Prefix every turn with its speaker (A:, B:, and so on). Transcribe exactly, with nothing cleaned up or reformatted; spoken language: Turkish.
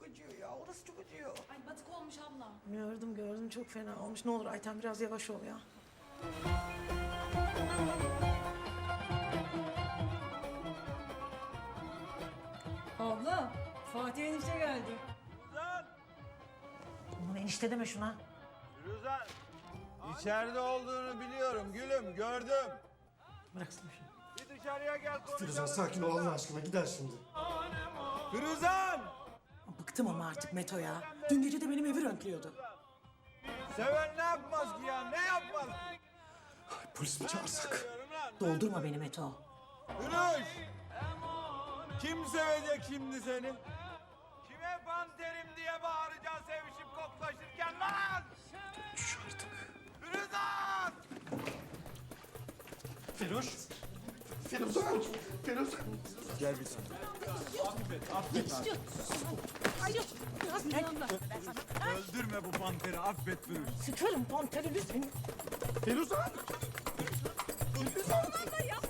A: acıyor ya. Orası çok acıyor.
B: Ay batık olmuş abla.
A: Gördüm gördüm çok fena olmuş. Ne olur Ayten biraz yavaş ol ya.
C: Abla, Fatih enişte geldi.
D: Firuzan!
A: Aman enişte deme şuna.
D: Firuzan! İçeride olduğunu biliyorum gülüm, gördüm.
A: Bıraksın şunu.
D: Bir dışarıya gel konuşalım.
E: Firuzan sakin ol Allah aşkına gider şimdi.
D: Firuzan!
A: Bıktım ama artık Meto ya. Dün gece de benim evi röntliyordu.
D: Seven ne yapmaz ki ya, ne yapmaz?
E: Ay, polis mi çağırsak?
D: Diyorum lan.
A: Doldurma beni Meto.
D: Firuş! Kim sevecek şimdi seni? Kime panterim diye bağıracağız sevişip koklaşırken lan?
E: Düş artık.
D: Firuzan!
E: Firuş. Firuzan. Firuzan.
D: Gel bir tane. Affet, affet. Öldürme bu panteri, affet Firuş.
A: Sıkarım panterini senin.
E: Firuzan.
B: Abla yapma.